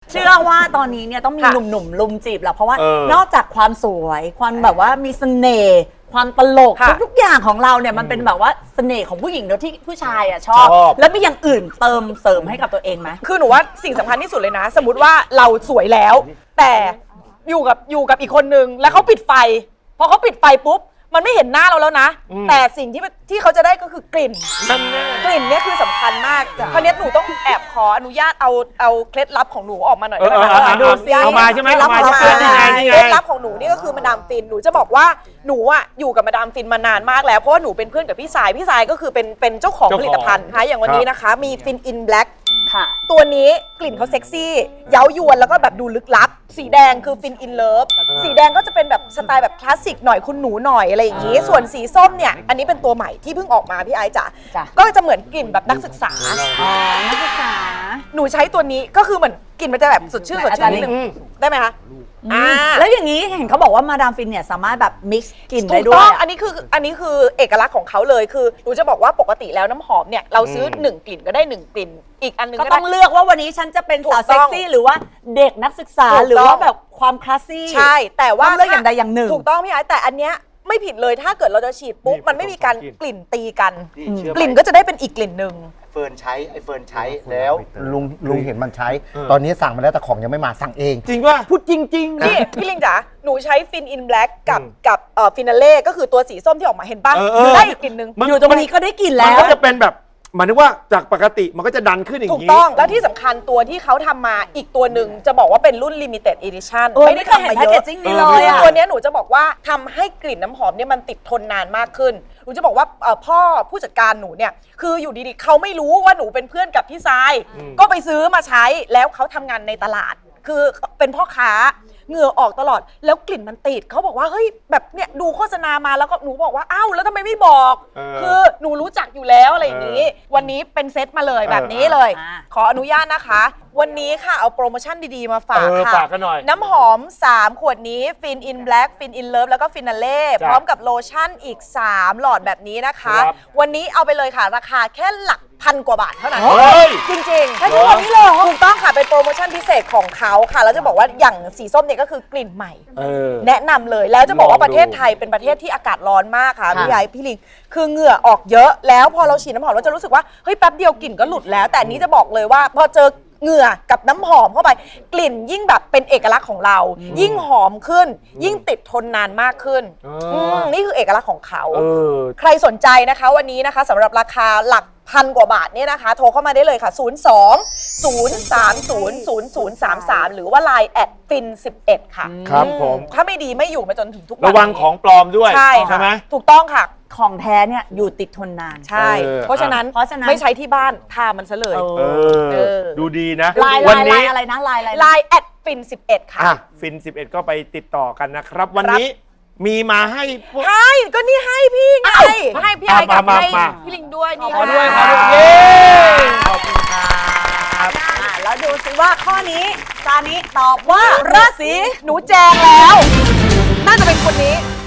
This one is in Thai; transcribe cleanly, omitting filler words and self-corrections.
เชื่อว่าตอนนี้เนี่ยต้องมีหนุ่มๆลุมจีบแหละเพราะว่านอกจากความสวยความแบบว่ามีเสน่ห์ความตลกทุกอย่างของเราเนี่ยมันเป็นแบบว่าเสน่ห์ของผู้หญิงโดยที่ผู้ชายอ่ะชอบแล้วมีอย่างอื่นเติมเสริมให้กับตัวเองไหมคือหนูว่าสิ่งสำคัญที่สุดเลยนะ สมมติว่าเราสวยแล้ว แต่อยู่กับอีกคนนึงแล้วเขาปิดไฟพอเขาปิดไฟปุ๊บมันไม่เห็นหน้าเราแล้วนะแต่สิ่งที่เขาจะได้ก็คือกลิ่นกลิ่นเนี่ยคือสำคัญมากคราวนี้หนูต้องแอบขออนุญาตเอาเคล็ดลับของหนูออกมาหน่อยได้ไหมคะดูซิเอามาใช่ไหมเอามาเคล็ดลับของหนูนี่ก็คือมาดามฟินหนูจะบอกว่าหนูอ่ะอยู่กับมาดามฟินมานานมากแล้วเพราะว่าหนูเป็นเพื่อนกับพี่สายก็คือเป็นเจ้าของผลิตภัณฑ์นะคะอย่างวันนี้นะคะมีฟินอินแบล็กตัวนี้กลิ่นเขาเซ็กซี่เย้ายวนแล้วก็แบบดูลึกลับสีแดงคือฟินอินเลิฟสีแดงก็จะเป็นแบบสไตล์แบบคลาสสิกหน่อยคุณหนูหน่อยอะไรอย่างนี้ส่วนสีส้มเนี่ยอันนี้เป็นตัวใหม่ที่เพิ่งออกมาพี่ไอซ์จ๋าก็จะเหมือนกลิ่นแบบนักศึกษานักศึกษาหนูใช้ตัวนี้ก็คือเหมือนกลิ่นมันจะแบบสดชื่นนิดนึงได้ไหมคะแล้วอย่างนี้เห็นเขาบอกว่ามาดามฟินเนี่ยสามารถแบบมิกซ์กลิ่นได้ด้วยถูกต้องอันนี้คือเอกลักษณ์ของเขาเลยคือหนูจะบอกว่าปกติแล้วน้ำหอมเนี่ยเราซื้อ1กลิ่นก็ได้1กลิ่นอีกอันนึงก็ต้องเลือกว่าวันนี้ฉันจะเป็นสาวเซ็กซี่หรือว่าเด็กนักศึกษาหรือว่าแบบความคลาสซี่ใช่แต่ว่าเลือกอย่างใดอย่างหนึ่งถูกต้องพี่ไอ้แต่อันเนี้ยไม่ผิดเลยถ้าเกิดเราจะฉีดปุ๊บมันไม่มีการกลิ่นตีกันกลิ่นก็จะได้เป็นอีกกลิ่นหนึ่งเฟิร์นใช้แล้วลุงเห็นมันใช้ตอนนี้สั่งมาแล้วแต่ของยังไม่มาสั่งเองจริงป่ะพูดจริงๆนี่พี่ลิงจ๋าหนูใช้ฟินอินแบล็กกับฟินาเล่ก็คือตัวสีส้มที่ออกมาเห็นป่ะได้อีกกลิ่นหนึ่งอยู่ตรงนี้ก็ได้กลิ่นแล้วมันก็จะเป็นแบบหมายถึงว่าจากปกติมันก็จะดันขึ้นอย่างนี้ถูกต้องแล้วที่สำคัญตัวที่เขาทำมาอีกตัวหนึ่งจะบอกว่าเป็นรุ่น limited edition ไม่ได้ทำมาเยอะตัวนี้หนูจะบอกว่าทำให้กลิ่นน้ำหอมเนี่ยมันติดทนนานมากขึ้นหนูจะบอกว่าพ่อผู้จัดการหนูเนี่ยคืออยู่ดีๆเขาไม่รู้ว่าหนูเป็นเพื่อนกับพี่ทรายก็ไปซื้อมาใช้แล้วเขาทำงานในตลาดคือเป็นพ่อค้าเหงื่อออกตลอดแล้วกลิ่นมันติดเขาบอกว่าเฮ้ยแบบเนี่ยดูโฆษณามาแล้วก็หนูบอกว่าอ้าวแล้วทำไมไม่บอกคือหนูรู้จักอยู่แล้วอะไรอย่างนี้วันนี้เป็นเซตมาเลยแบบนี้เลยขออนุญาตนะคะวันนี้ค่ะเอาโปรโมชั่นดีๆมาฝากค่ะน้ำหอม3ขวดนี้ฟินอินแบล็กฟินอินเลิฟแล้วก็ฟินาเล่พร้อมกับโลชั่นอีก3หลอดแบบนี้นะคะวันนี้เอาไปเลยค่ะราคาแค่หลักพันกว่าบาทเท่านั้นจริงๆแค่ทุกวันนี้เลยถูกต้องค่ะเป็นโปรโมชั่นพิเศษของเขาค่ะแล้วจะบอกว่าอย่างสีส้มเนี่ยก็คือกลิ่นใหม่แนะนำเลยแล้วจะบอกว่าประเทศไทยเป็นประเทศที่อากาศร้อนมากค่ะพี่ไอ้พี่ลิงคือเหงื่อออกเยอะแล้วพอเราฉีดน้ำหอมเราจะรู้สึกว่าเฮ้ยแป๊บเดียวกลิ่นก็หลุดแล้วแต่อันนี้จะบอกเลยว่าพอเจอเหงื่อกับน้ำหอมเข้าไปกลิ่นยิ่งแบบเป็นเอกลักษณ์ของเรายิ่งหอมขึ้นยิ่งติดทนนานมากขึ้นนี่คือเอกลักษณ์ของเขาใครสนใจนะคะวันนี้นะคะสำหรับราคาหลักพันกว่าบาทเนี่ยนะคะโทรเข้ามาได้เลยค่ะ02-030-0033หรือว่า Line แอดฟิน11ค่ะครับผมถ้าไม่ดีไม่อยู่มาจนถึงทุกวันระวังของปลอมด้วยใช่ไหมถูกต้องค่ะของแท้เนี่ยอยู่ติดทนนานใช่เพราะฉะนั้นไม่ใช้ที่บ้านทามันซะเลยดูดีนะวันนี้อะไรนะไลน์แอดฟิน11ค่ะฟิน11ก็ไปติดต่อกันนะครับวันนี้มีมาให้ก็นี่ให้พี่ไงให้พี่ไอ้กับให้พี่ลิงด้วยนี่ขอด้วยขอบคุณครับแล้วดูสิว่าข้อนี้ซานิตอบว่าราศีหนูแจงแล้วน่าจะเป็นคนนี้